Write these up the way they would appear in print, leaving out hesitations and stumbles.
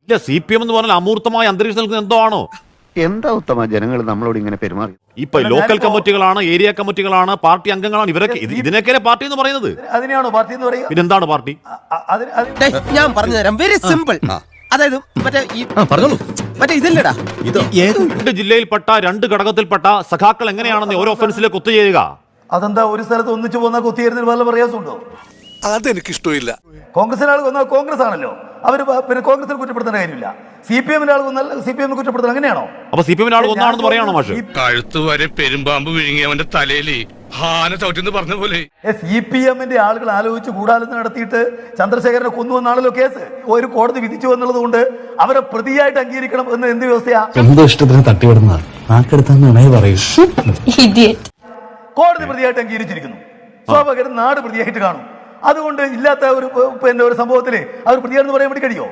ഇല്ല, CPM എന്ന് പറഞ്ഞാൽ അമൂർത്തമായ അന്തരീക്ഷം നിൽക്കുന്ന എന്തോ ആണോ? എന്താ ഉത്തമ ജനങ്ങൾ നമ്മളോട് ഇങ്ങനെ പെരുമാറി? ഇപ്പൊ ലോക്കൽ കമ്മിറ്റികളാണ്, ഏരിയ കമ്മിറ്റികളാണ്, പാർട്ടി അംഗങ്ങളാണ്, ഇവരൊക്കെ ഇതിനൊക്കെയല്ലേ പാർട്ടി എന്ന് പറയുന്നത്? അതിനെയാണോ പാർട്ടി എന്ന് പറയുക? പിന്നെന്താണ് പാർട്ടി? ഞാൻ പറഞ്ഞു തരാം, വെരി സിമ്പിൾ. അതായത് മറ്റേ ഇതല്ലടാ, രണ്ട് ജില്ലയിൽപ്പെട്ട, രണ്ട് ഘടകത്തിൽപ്പെട്ട സഖാക്കൾ എങ്ങനെയാണെന്ന് ഓരോ ഒഫൻസിലേക്ക് ഒത്തുചേരുക? അതെന്താ ഒരു സ്ഥലത്ത് ഒന്നിച്ചു പോകുന്ന കുത്തിയേരുന്നതിന് വല്ല പ്രയാസമുണ്ടോ? അതെനിക്കിഷ്ടമില്ല. കോൺഗ്രസിന് ആൾ വന്നാൽ കോൺഗ്രസ് ആണല്ലോ, അവർ പിന്നെ കോൺഗ്രസിനെ കുറ്റപ്പെടുത്തുന്ന കാര്യമില്ല. CPM ആൾ വന്നാൽ CPM കുറ്റപ്പെടുത്തുന്നത് അങ്ങനെയാണോ? അപ്പൊ CPM ആൾ ഒന്നാണെന്ന് പറയാണോ മാഷ്? കഴുത്ത് വരെ പെരുമ്പാമ്പ് വിഴുങ്ങി അവന്റെ തലയില് ഹാന ചവിട്ടിന്ന് പറഞ്ഞ പോലെ. CPM ആളുകൾ ആലോചിച്ച് ഗൂഢാലോചന നടത്തിയിട്ട് ചന്ദ്രശേഖരനെ കൊന്നുവെന്നാണല്ലോ കേസ്. ഒരു കോടതി വിധിച്ചു എന്നുള്ളത് കൊണ്ട് അവരെ പ്രതിയായിട്ട് അംഗീകരിക്കണം എന്ന് എന്ത് വ്യവസ്ഥയാ? എന്തോ ഇഷ്ടത്തിന് തട്ടിവിടുന്ന നാക്കെടുത്താന്ന് പറയൂ. കോടതി പ്രതിയായിട്ട് അംഗീകരിച്ചിരിക്കുന്നു, സ്വാഭാവികം നാട് പ്രതിയായിട്ട് കാണും. അതുകൊണ്ട് ഇല്ലാത്ത ഒരു പിന്നെ ഒരു സംഭവത്തില് അവർ പ്രതിയാണെന്ന് പറയാൻ വേണ്ടി കഴിയോ?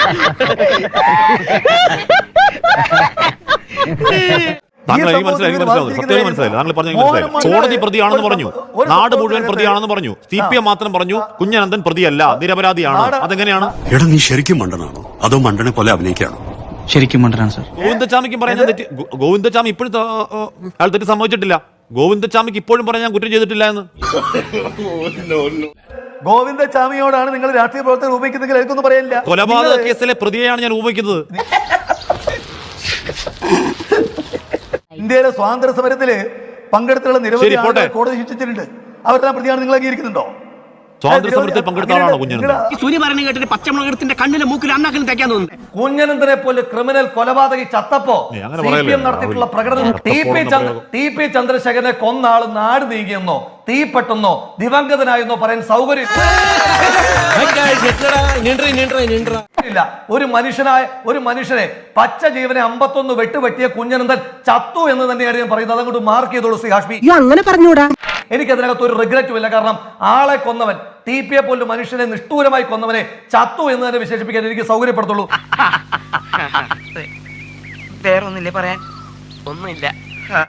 കോടതി പ്രതിയാണെന്ന് പറഞ്ഞു, നാട് മുഴുവൻ പ്രതിയാണെന്ന് പറഞ്ഞു, CPM മാത്രം പറഞ്ഞു കുഞ്ഞനന്തൻ പ്രതിയല്ല, നിരപരാധിയാണ്. അതെങ്ങനെയാണ്? എടാ, നീ ശരിക്കും മണ്ടനാണോ അതോ മണ്ടനെ പോലെ അഭിനയിക്കാണോ? ശരിക്കും മണ്ടനാണ് സാർ. ഗോവിന്ദച്ചാമിക്കും പറയുന്നത് തെറ്റ്. ഗോവിന്ദച്ചാമി ഇപ്പോഴും അയാൾ തെറ്റ് സംഭവിച്ചിട്ടില്ല. ഗോവിന്ദച്ചാമിക്ക് ഇപ്പോഴും പറയാൻ ഞാൻ കുറ്റം ചെയ്തിട്ടില്ല എന്ന്. ഗോവിന്ദച്ചാമിയോടാണ് നിങ്ങൾ രാഷ്ട്രീയ പ്രവർത്തകർ ഉപയോഗിക്കുന്നെങ്കിൽ എനിക്കൊന്നും പറയാനില്ല. കൊലപാതക കേസിലെ പ്രതിയെയാണ് ഞാൻ ഉപയോഗിക്കുന്നത്. ഇന്ത്യയിലെ സ്വാതന്ത്ര്യ സമരത്തില് പങ്കെടുത്തുള്ള നിരവധി ആളുകൾ കോടതി ശിക്ഷിച്ചിട്ടുണ്ട്. അവരെല്ലാം പ്രതിയാണ് നിങ്ങൾ അംഗീകരിക്കുന്നുണ്ടോ? സ്വാതന്ത്ര്യ സമരത്തിൽ പങ്കെടുത്ത ആളാണോ കുഞ്ഞനന്തൻ? പച്ചമുളകത്തിന്റെ കണ്ണിലെ മൂക്കിൽ അണ്ണാക്കിന് തയ്ക്കാൻ തോന്നുന്നു. കുഞ്ഞനന്തനെ പോലെ ക്രിമിനൽ കൊലപാതകി ചത്തപ്പോ CPM നടത്തിയിട്ടുള്ള പ്രകടനം TP ചന്ദ്രശേഖരനെ കൊന്ന ആള് നാട് നീങ്ങിയെന്നോ തീപ്പെട്ടെന്നോ ദിവംഗതനായെന്നോ പറയാൻ സൗകര്യം ഇല്ല. ഒരു മനുഷ്യനെ പച്ച ജീവനെ 51 വെട്ടുവെട്ടിയ കുഞ്ഞനന്തൻ ചത്തു എന്ന് തന്നെയാണ് ഞാൻ പറയുന്നത്. അതങ്ങോട്ട് മാർക്ക് ചെയ്തോളൂ ശ്രീ ഹാഷ്മി. അങ്ങനെ പറഞ്ഞൂടാ. എനിക്കതിനകത്ത് ഒരു റിഗ്രറ്റും ഇല്ല. കാരണം ആളെ കൊന്നവൻ, TP പോലും മനുഷ്യനെ നിഷ്ഠൂരമായി കൊന്നവനെ ചത്തു എന്ന് തന്നെ വിശേഷിപ്പിക്കാൻ എനിക്ക് സൗകര്യപ്പെടുത്തുള്ളൂ. വേറൊന്നില്ലേ പറയാൻ? ഒന്നുമില്ല.